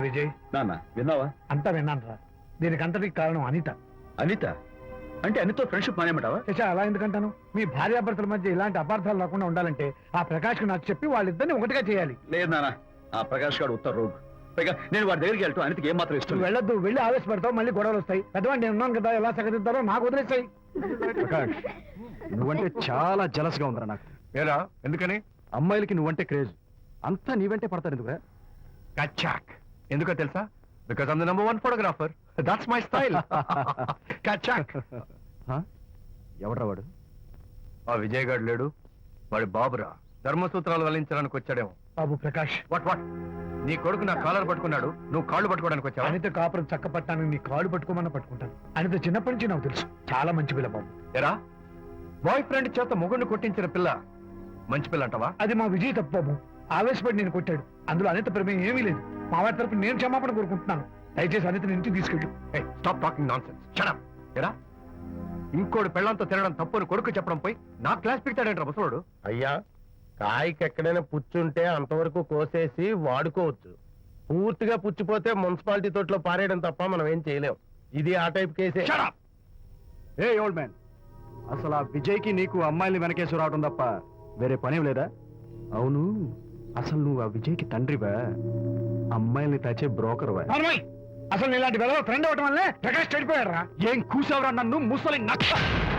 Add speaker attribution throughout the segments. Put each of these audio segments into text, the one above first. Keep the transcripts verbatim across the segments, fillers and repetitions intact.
Speaker 1: విజయ్,
Speaker 2: నాన్న విన్నావా?
Speaker 1: అంతా విన్నాను రా. దీనికి అంతటికి కారణం అనిత.
Speaker 2: అనిత అంటే అనితో ఫ్రెండ్షిప్ మానేమంటావా?
Speaker 1: శశా, అలా ఎందుకంటాను? మీ భార్యాభర్తల మధ్య ఇలాంటి అపార్థాలు రాకుండా ఉండాలంటే ఆ ప్రకాష్ నాకు చెప్పి వాళ్ళిద్దరిని ఒకటిగా చేయాలి.
Speaker 2: లేదు నాన్న, ఆ ప్రకాష్ గారు ఉత్తర రోగ్. పైగా నేను వాడి దగ్గరికి వెళ్తాను, అనితకి ఏం మాత్రం ఇష్టం
Speaker 1: నువ్వు
Speaker 2: లేదు.
Speaker 1: వెళ్ళొద్దు, వెళ్ళి ఆవేశపడతావు, మళ్ళీ గొడవలు వస్తాయి. పెద్దవాడిని నేను ఉన్నాను కదా, ఎలా సగదిద్దారో నాకు వదిలేస్తాయి.
Speaker 3: ప్రకాష్, నువ్వంటే చాలా జలస్గా ఉందిరా నాకు.
Speaker 4: ఏరా ఎందుకని?
Speaker 3: అమ్మాయిలకి నువ్వంటే క్రేజ్. అంతా నీవంటే పడతారు ఎందుకురా?
Speaker 4: కచాక్. ఎందుకో తెలుసా? Because I'm the number one photographer. That's my style. కచాక్.
Speaker 3: ఎవడ్రా వాడు?
Speaker 4: ఆ విజయ్ గారు లేడు, వాడి బాబురా. ధర్మసూత్రాలు వల్లించడానికి వచ్చాడేమో.
Speaker 1: బాబు ప్రకాష్,
Speaker 4: వాట్ వాట్ నీ కొడుకు నా కాలర్ పట్టుకున్నాడు, నువ్వు కాళ్ళు పట్టుకోవడానికి వచ్చావా?
Speaker 1: అనిత కాపురం చక్క పట్టానికి నీ కాళ్ళు పట్టుకోమన్నా పట్టుకుంటాను. అనిత చిన్నప్పటి నుంచి నాకు తెలుసు, చాలా మంచి పిల్ల బాబు.
Speaker 4: ఎరా, బాయ్ ఫ్రెండ్ చేత మొగుడిని కొట్టించిన పిల్ల మంచి పిల్ల అంటావా?
Speaker 1: అది మా విజయ్ తప్పు బాబు. ఆవేశపడి నేను కొట్టాడు. అందులో అనిత ప్రమేయం ఏమీ లేదు. మా వారి తరపు నేను క్షమాపణ కోరుకుంటున్నాను. దయచేసి అనితని ఇంటికి తీసుకెళ్ళు.
Speaker 4: Stop talking nonsense. Shut up. ఎరా, ఇంకోటి పెళ్ళంతో తినడం తప్పుని కొడుకు చెప్పడం పోయి నా క్లాస్ పిక్తాడేంట్రా ముసలోడు?
Speaker 5: అయ్యా, కాయకి ఎక్కడైనా పుచ్చుంటే అంతవరకు కోసేసి వాడుకోవచ్చు. పూర్తిగా పుచ్చిపోతే మున్సిపాలిటీ తోటలో పారేయడం తప్ప మనం ఏం చేయలేం. ఇది ఆ టైప్ కేసే.
Speaker 4: Shut up.
Speaker 3: ఏ ఓల్డ్ మ్యాన్, అసలు ఆ విజయ్కి నీకు అమ్మాయిని వెనకేసి రావడం తప్ప వేరే పనేం లేదా? అవును, అసలు నువ్వు ఆ విజయ్కి తండ్రివా, అమ్మాయిల్ని తెచ్చే బ్రోకర్వా?
Speaker 1: నార్మల్, అసలు ఇలాంటి వెళ్ళ ఫ్రెండ్ అవటం వల్లే ప్రకాష్ చెడిపోయాడు రా.
Speaker 3: ఏం కూసావురా నన్ను ముసలి నచ్చ?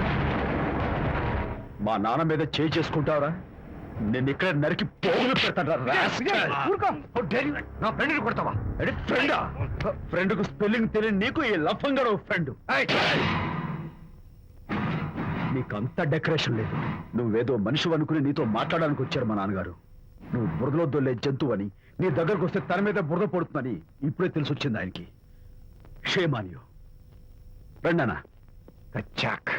Speaker 2: మా నాన్న మీద చేయి చేసుకుంటావరా? నేను ఇక్కడ నరికి పోగులు పెడతాను.
Speaker 4: నా ఫ్రెండ్ని కొడతావా?
Speaker 2: ఫ్రెండా? ఫ్రెండ్ కు స్పెల్లింగ్ తెలియని నీకు ఈ లఫంగా ఫ్రెండ్. నీకు అంత డెకరేషన్ లేదు. నువ్వేదో మనిషి అనుకుని నీతో మాట్లాడడానికి వచ్చారు మా నాన్నగారు. నువ్వు బురదలో దొల్లే జంతువు అని, నీ దగ్గరకు వస్తే తన మీద బురద పడుతుందని ఇప్పుడే తెలిసి వచ్చింది ఆయనకి. షేమాన్యో రండనా.
Speaker 4: కచ్చాక్.